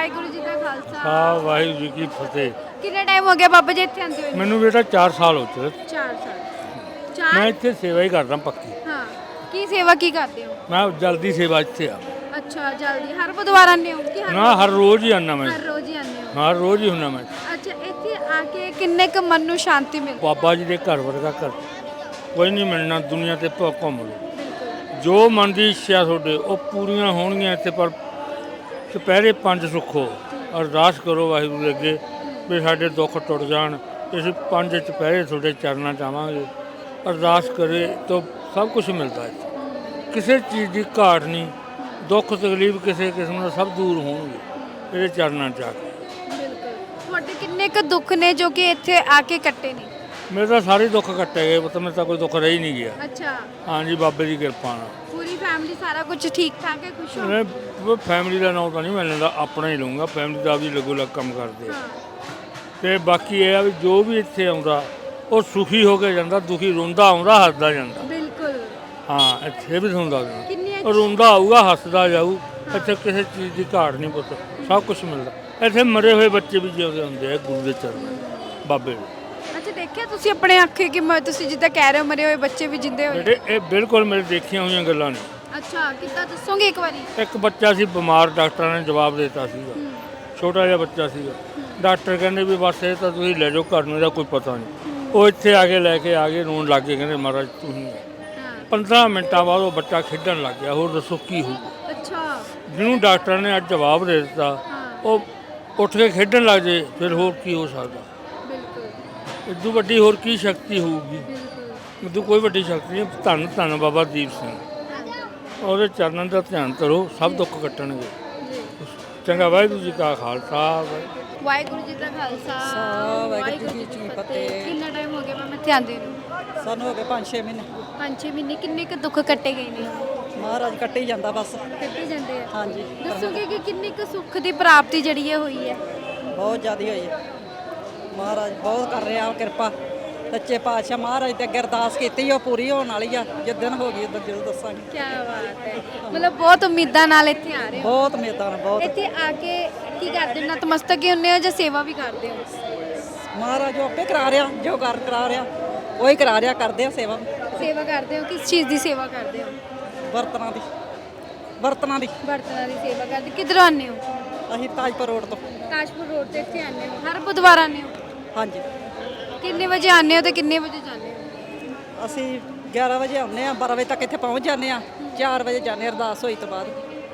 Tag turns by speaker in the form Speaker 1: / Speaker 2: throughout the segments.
Speaker 1: ਵਾਹਿਗੁਰੂ ਜੀ ਦਾ ਖਾਲਸਾ
Speaker 2: ਹਾਂ ਵਾਹਿਗੁਰੂ ਜੀ ਕੀ ਫਤਿਹ।
Speaker 1: ਕਿੰਨਾ ਟਾਈਮ ਹੋ ਗਿਆ ਬਾਬਾ ਜੀ ਇੱਥੇ ਆਉਂਦੇ ਹੋਏ?
Speaker 2: ਮੈਨੂੰ ਬੇਟਾ 4 ਸਾਲ ਹੋ ਚੁੱਕੇ।
Speaker 1: 4 ਸਾਲ
Speaker 2: ਮੈਂ
Speaker 1: 4
Speaker 2: ਇੱਥੇ ਸੇਵਾ ਹੀ ਕਰਦਾ ਪੱਕੀ।
Speaker 1: ਹਾਂ ਕੀ ਸੇਵਾ ਕੀ ਕਰਦੇ ਹੋ?
Speaker 2: ਮੈਂ ਜਲਦੀ ਸੇਵਾ ਇੱਥੇ ਆ
Speaker 1: ਅੱਛਾ ਜਲਦੀ ਹਰ ਬੁੱਧਵਾਰ ਆਉਂਦੇ ਹੋ ਕਿ
Speaker 2: ਨਾ, ਹਰ ਰੋਜ਼ ਹੀ ਆਉਂਦਾ ਮੈਂ।
Speaker 1: ਹਰ ਰੋਜ਼ ਹੀ ਆਉਂਦੇ ਹੋ?
Speaker 2: ਹਰ ਰੋਜ਼ ਹੀ ਹੁੰਦਾ ਮੈਂ।
Speaker 1: ਅੱਛਾ ਇੱਥੇ ਆ ਕੇ ਕਿੰਨੇ ਕੁ ਮਨ ਨੂੰ ਸ਼ਾਂਤੀ ਮਿਲਦੀ?
Speaker 2: ਬਾਬਾ ਜੀ ਦੇ ਘਰ ਵਰਗਾ ਘਰ ਕੋਈ ਨਹੀਂ ਮਿਲਣਾ ਦੁਨੀਆ ਤੇ। ਘੁੰਮ ਲਓ,
Speaker 1: ਬਿਲਕੁਲ
Speaker 2: ਜੋ ਮਨ ਦੀ ਇੱਛਾ ਤੁਹਾਡੇ ਉਹ ਪੂਰੀਆਂ ਹੋਣਗੀਆਂ ਇੱਥੇ। ਪਰ ਚੁਪਹਿਰੇ 5 ਸੁੱਖੋ, ਅਰਦਾਸ ਕਰੋ ਵਾਹਿਗੁਰੂ ਦੇ ਅੱਗੇ ਵੀ ਸਾਡੇ ਦੁੱਖ ਟੁੱਟ ਜਾਣ। ਅਸੀਂ 5 ਚੁਪਹਿਰੇ ਤੁਹਾਡੇ ਚਰਨਾਂ 'ਚ ਆਵਾਂਗੇ। ਅਰਦਾਸ ਕਰੇ ਤਾਂ ਸਭ ਕੁਝ ਮਿਲਦਾ ਹੈ। ਕਿਸੇ ਚੀਜ਼ ਦੀ ਘਾਟ ਨਹੀਂ, ਦੁੱਖ ਤਕਲੀਫ ਕਿਸੇ ਕਿਸਮ ਦਾ ਸਭ ਦੂਰ ਹੋਣਗੇ ਇਹਦੇ ਚਰਨਾਂ 'ਚ ਆ ਕੇ।
Speaker 1: ਬਿਲਕੁਲ ਤੁਹਾਡੇ ਕਿੰਨੇ ਕੁ ਦੁੱਖ ਨੇ ਜੋ ਕਿ ਇੱਥੇ ਆ ਕੇ ਕੱਟੇ ਨੇ?
Speaker 2: ਮੇਰੇ ਤਾਂ ਸਾਰੇ ਦੁੱਖ ਕੱਟੇ ਗਏ, ਮੇਰੇ ਤਾਂ ਕੋਈ ਦੁੱਖ ਰਹਿ ਹੀ ਨਹੀਂ ਗਿਆ।
Speaker 1: ਅੱਛਾ
Speaker 2: ਹਾਂਜੀ ਬਾਬੇ ਦੀ ਕਿਰਪਾ ਨਾਲ।
Speaker 1: ਪੂਰੀ ਫੈਮਿਲੀ ਸਾਰਾ ਕੁਝ ਠੀਕ ਠਾਕ ਹੈ, ਖੁਸ਼ ਹੋ?
Speaker 2: ਮੈਂ ਫੈਮਿਲੀ ਦਾ ਨਾਮ ਤਾਂ ਨਹੀਂ ਮੈਂ ਲੈਂਦਾ, ਆਪਣਾ ਹੀ ਲਊਂਗਾ। ਫੈਮਿਲੀ ਦਾ ਵੀ ਲੱਗੋ ਲੱਗ ਕੰਮ ਕਰਦੇ ਆ।
Speaker 1: ਹਾਂ
Speaker 2: ਤੇ ਬਾਕੀ ਇਹ ਆ ਵੀ ਜੋ ਵੀ ਇੱਥੇ ਆਉਂਦਾ ਉਹ ਸੁਖੀ ਹੋ ਕੇ ਜਾਂਦਾ, ਦੁਖੀ ਰੋਂਦਾ ਆਉਂਦਾ, ਹੱਸਦਾ ਜਾਂਦਾ।
Speaker 1: ਬਿਲਕੁਲ
Speaker 2: ਹਾਂ ਇੱਥੇ ਵੀ ਤੁਹਾਨੂੰ ਦੱਸ ਦਿੰਦਾ,
Speaker 1: ਕਿੰਨੀ
Speaker 2: ਉਹ ਰੋਂਦਾ ਆਊਗਾ, ਹੱਸਦਾ ਜਾਊ। ਇੱਥੇ ਕਿਸੇ ਚੀਜ਼ ਦੀ ਘਾਟ ਨਹੀਂ ਪੁੱਤ, ਸਭ ਕੁਝ ਮਿਲਦਾ। ਇੱਥੇ ਮਰੇ ਹੋਏ ਬੱਚੇ ਵੀ ਜਿਉਂਦੇ ਹੁੰਦੇ ਆ ਗੁਰੂ ਦੇ ਚਰਨਾਂ 'ਚ, ਬਾਬੇ ਦੇ।
Speaker 1: ਅੱਛਾ ਦੇਖਿਆ ਤੁਸੀਂ ਆਪਣੇ ਅੱਖੇ ਕਿ ਤੁਸੀਂ ਜਿੱਦਾਂ ਕਹਿ ਰਹੇ ਹੋ ਮਰੇ ਹੋਏ ਬੱਚੇ ਵੀ ਜਿੰਦੇ ਹੋਏ?
Speaker 2: ਬੇਟੇ ਇਹ ਬਿਲਕੁਲ ਮੇਰੇ ਦੇਖੀਆਂ ਹੋਈਆਂ ਗੱਲਾਂ ਨੇ।
Speaker 1: ਅੱਛਾ ਕਿੱਦਾਂ ਦੱਸੋਗੇ ਇੱਕ ਵਾਰੀ?
Speaker 2: ਇੱਕ ਬੱਚਾ ਸੀ ਬਿਮਾਰ, ਡਾਕਟਰਾਂ ਨੇ ਜਵਾਬ ਦੇ ਦਿੱਤਾ ਸੀਗਾ। ਛੋਟਾ ਜਿਹਾ ਬੱਚਾ ਸੀਗਾ। ਡਾਕਟਰ ਕਹਿੰਦੇ ਵੀ ਬਸ ਇਹ ਤਾਂ ਤੁਸੀਂ ਲੈ ਜਾਓ ਘਰ ਨੂੰ, ਇਹਦਾ ਕੋਈ ਪਤਾ ਨਹੀਂ। ਉਹ ਇੱਥੇ ਆ ਕੇ ਲੈ ਕੇ ਆ ਗਏ, ਰੋਣ ਲੱਗ ਗਏ, ਕਹਿੰਦੇ ਮਹਾਰਾਜ ਤੁਸੀਂ।
Speaker 1: ਹਾਂ
Speaker 2: 15 ਮਿੰਟਾਂ ਬਾਅਦ ਉਹ ਬੱਚਾ ਖੇਡਣ ਲੱਗ ਗਿਆ। ਹੋਰ ਦੱਸੋ ਕੀ ਹੋਊ?
Speaker 1: ਅੱਛਾ
Speaker 2: ਜਿਹਨੂੰ ਡਾਕਟਰ ਨੇ ਅੱਜ ਜਵਾਬ ਦੇ ਦਿੱਤਾ
Speaker 1: ਹਾਂ
Speaker 2: ਉਹ ਉੱਠ ਕੇ ਖੇਡਣ ਲੱਗ ਜੇ, ਫਿਰ ਹੋਰ ਕੀ ਹੋ ਸਕਦਾ?
Speaker 1: ਬਿਲਕੁਲ
Speaker 2: ਇਦੋਂ ਵੱਡੀ ਹੋਰ ਕੀ ਸ਼ਕਤੀ ਹੋਊਗੀ?
Speaker 1: ਬਿਲਕੁਲ
Speaker 2: ਇਦੋਂ ਕੋਈ ਵੱਡੀ ਸ਼ਕਤੀ ਨਹੀਂ। ਧੰਨ ਧੰਨ ਬਾਬਾ ਦੀਪ ਸਿੰਘ, ਉਹਦੇ ਚਰਨਾਂ ਦਾ ਧਿਆਨ ਕਰੋ, ਸਭ ਦੁੱਖ ਕੱਟਣਗੇ।
Speaker 1: ਜੀ
Speaker 2: ਚੰਗਾ, ਵਾਹਿਗੁਰੂ ਜੀ ਕਾ ਖਾਲਸਾ।
Speaker 1: ਵਾਹਿਗੁਰੂ ਜੀ ਦਾ ਖਾਲਸਾ
Speaker 3: ਵਾਹਿਗੁਰੂ ਜੀ ਕੀ ਫਤਿਹ।
Speaker 1: ਕਿੰਨਾ ਟਾਈਮ ਹੋ ਗਿਆ ਮੈਂ ਇੱਥੇ ਆਂਦੇ ਨੂੰ?
Speaker 3: ਸਾਨੂੰ ਹੋ ਗਏ 5-6 ਮਹੀਨੇ।
Speaker 1: 5-6 ਮਹੀਨੇ। ਕਿੰਨੇ ਕੁ ਦੁੱਖ ਕੱਟੇ ਗਏ ਨੇ?
Speaker 3: ਮਹਾਰਾਜ ਕੱਟੇ ਹੀ ਜਾਂਦਾ ਬਸ।
Speaker 1: ਕੱਟੇ ਜਾਂਦੇ ਆ।
Speaker 3: ਹਾਂਜੀ
Speaker 1: ਦੱਸੋਗੇ ਕਿ ਕਿੰਨੀ ਕੁ ਸੁੱਖ ਦੀ ਪ੍ਰਾਪਤੀ ਜਿਹੜੀ ਇਹ ਹੋਈ ਹੈ?
Speaker 3: ਬਹੁਤ ਜ਼ਿਆਦਾ ਹੋਈ ਹੈ। ਮਹਾਰਾਜ ਬਹੁਤ ਕਰ ਰਿਹਾ ਕਿਰਪਾ। ਸੱਚੇ ਪਾਤਸ਼ਾਹ ਮਹਾਰਾਜ ਤੇ ਅੱਗੇ ਅਰਦਾਸ ਕੀਤੀ, ਉਹ ਪੂਰੀ ਹੋਣ ਵਾਲੀ ਆ। ਜਿੱਦਣ ਹੋ ਗਈ ਉਦੋਂ ਜ਼ਰੂਰ ਦੱਸਾਂਗੇ।
Speaker 1: ਕੀ ਬਾਤ ਹੈ, ਮਤਲਬ ਬਹੁਤ ਉਮੀਦਾਂ ਨਾਲ ਇੱਥੇ ਆ ਰਹੇ ਹੋ।
Speaker 3: ਬਹੁਤ ਉਮੀਦਾਂ ਨੇ, ਬਹੁਤ।
Speaker 1: ਇੱਥੇ ਆ ਕੇ ਕੀ ਕਰਦੇ ਹੋ? ਨਤਮਸਤਕ ਹੀ ਹੁੰਦੇ ਹੋ ਜਾਂ ਸੇਵਾ ਵੀ ਕਰਦੇ ਹੋ?
Speaker 3: ਮਹਾਰਾਜ ਜੋ ਆਪੇ ਕਰਾ ਰਿਹਾ, ਜੋ ਕਰਾ ਰਿਹਾ ਉਹੀ ਕਰਾ ਰਿਹਾ, ਕਰਦੇ ਆ ਸੇਵਾ।
Speaker 1: ਸੇਵਾ ਕਰਦੇ ਹੋ? ਕਿਸ ਚੀਜ਼ ਦੀ ਸੇਵਾ ਕਰਦੇ ਹੋ?
Speaker 3: ਬਰਤਨਾਂ ਦੀ, ਬਰਤਨਾਂ ਦੀ।
Speaker 1: ਬਰਤਨਾਂ ਦੀ ਸੇਵਾ ਕਰਦੇ। ਕਿੱਧਰੋਂ ਆਉਂਦੇ ਹੋ?
Speaker 3: ਅਸੀਂ ਤਾਜਪੁਰ ਰੋਡ ਤੋਂ।
Speaker 1: ਤਾਜਪੁਰ ਰੋਡ ਤੇ ਇੱਥੇ ਆਉਂਦੇ ਹੋ? ਹਰ ਬੁੱਧਵਾਰ ਆਉਂਦੇ ਹੋ?
Speaker 3: ਹਾਂਜੀ
Speaker 1: ਕਿੰਨੇ ਵਜੇ ਆਉਂਦੇ ਹੋ ਤੇ ਕਿੰਨੇ ਵਜੇ ਜਾਂਦੇ ਹੋ?
Speaker 3: ਅਸੀਂ 11 ਵਜੇ ਆਉਂਦੇ ਆ, 12 ਵਜੇ ਤੱਕ ਇੱਥੇ ਪਹੁੰਚ ਜਾਂਦੇ ਆ। 4 ਵਜੇ ਜਾਂਦੇ ਹਾਂ ਅਰਦਾਸ ਹੋਈ ਤੋਂ ਬਾਅਦ।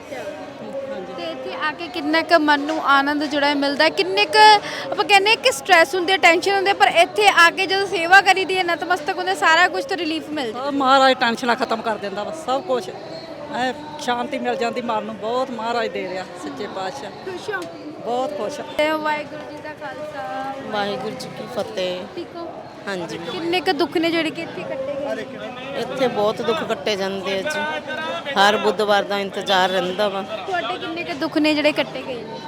Speaker 3: ਹਾਂਜੀ
Speaker 1: ਤੇ ਇੱਥੇ ਆ ਕੇ ਕਿੰਨਾ ਕੁ ਮਨ ਨੂੰ ਆਨੰਦ ਜਿਹੜਾ ਹੈ ਮਿਲਦਾ? ਕਿੰਨੇ ਕੁ ਆਪਾਂ ਕਹਿੰਦੇ ਕਿ ਸਟ੍ਰੈਸ ਹੁੰਦੇ, ਟੈਨਸ਼ਨ ਹੁੰਦੇ, ਪਰ ਇੱਥੇ ਆ ਕੇ ਜਦੋਂ ਸੇਵਾ ਕਰੀਦੀ ਹੈ, ਨਤਮਸਤਕ ਹੁੰਦੇ, ਸਾਰਾ ਕੁਝ ਤੋਂ ਰਿਲੀਫ ਮਿਲਦਾ।
Speaker 3: ਸਭ ਮਹਾਰਾਜ ਟੈਨਸ਼ਨਾਂ ਖਤਮ ਕਰ ਦਿੰਦਾ ਵਾ, ਸਭ ਕੁਝ ਐ ਸ਼ਾਂਤੀ ਮਿਲ ਜਾਂਦੀ ਮਨ ਨੂੰ। ਬਹੁਤ ਮਹਾਰਾਜ ਦੇ ਰਿਹਾ ਸੱਚੇ ਪਾਤਸ਼ਾਹ।
Speaker 1: ਖੁਸ਼ ਹੋ?
Speaker 3: ਬਹੁਤ ਖੁਸ਼।
Speaker 1: ਵਾਹਿਗੁਰੂ ਜੀ ਦਾ ਖਾਲਸਾ
Speaker 4: ਵਾਹਿਗੁਰੂ ਜੀ ਕੀ ਫਤਿਹ।
Speaker 1: ਠੀਕ ਹੋ?
Speaker 4: ਹਾਂਜੀ
Speaker 1: ਕਿੰਨੇ ਕੁ ਦੁੱਖ ਨੇ ਜਿਹੜੇ ਕਿ ਇੱਥੇ ਕੱਟੇ ਗਏ?
Speaker 4: ਇੱਥੇ ਬਹੁਤ ਦੁੱਖ ਕੱਟੇ ਜਾਂਦੇ ਆ ਜੀ। ਹਰ ਬੁੱਧਵਾਰ ਦਾ ਇੰਤਜ਼ਾਰ ਰਹਿੰਦਾ ਵਾ।
Speaker 1: ਤੁਹਾਡੇ ਕਿੰਨੇ ਕੁ ਦੁੱਖ ਨੇ ਜਿਹੜੇ ਕੱਟੇ ਗਏ ਨੇ?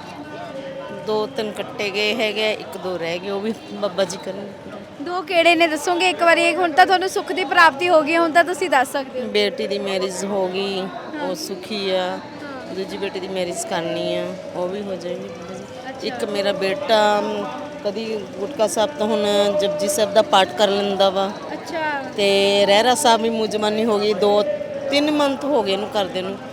Speaker 4: 2-3 ਕੱਟੇ ਗਏ ਹੈਗੇ, 1-2 ਰਹਿ ਗਏ, ਉਹ ਵੀ ਬਾਬਾ ਜੀ ਕਰਨ।
Speaker 1: 2 ਕਿਹੜੇ ਨੇ ਦੱਸੋਗੇ ਇੱਕ ਵਾਰੀ? ਹੁਣ ਤਾਂ ਤੁਹਾਨੂੰ ਸੁੱਖ ਦੀ ਪ੍ਰਾਪਤੀ ਹੋ ਗਈ, ਹੁਣ ਤਾਂ ਤੁਸੀਂ ਦੱਸ ਸਕਦੇ ਹੋ।
Speaker 4: ਬੇਟੀ ਦੀ ਮੈਰਿਜ ਹੋ ਗਈ, ਉਹ ਸੁਖੀ ਆ। ਦੂਜੀ ਬੇਟੀ ਦੀ ਮੈਰਿਜ ਕਰਨੀ ਆ, ਉਹ ਵੀ ਹੋ ਜਾਏਗੀ ਬਾਬਾ ਜੀ। ਇੱਕ ਮੇਰਾ ਬੇਟਾ ਕਦੀ ਗੁਟਕਾ ਸਾਹਿਬ ਤੋਂ ਹੁਣ ਜਪਜੀ ਸਾਹਿਬ ਦਾ ਪਾਠ ਕਰ ਲੈਂਦਾ ਵਾ।
Speaker 1: ਅੱਛਾ
Speaker 4: ਤੇ ਰਹਿਰਾ ਸਾਹਿਬ ਵੀ ਮੁਜਮਾਨੀ ਹੋ ਗਈ, 2-3 ਮੰਥ ਹੋ ਗਏ ਇਹਨੂੰ ਕਰਦੇ ਨੂੰ।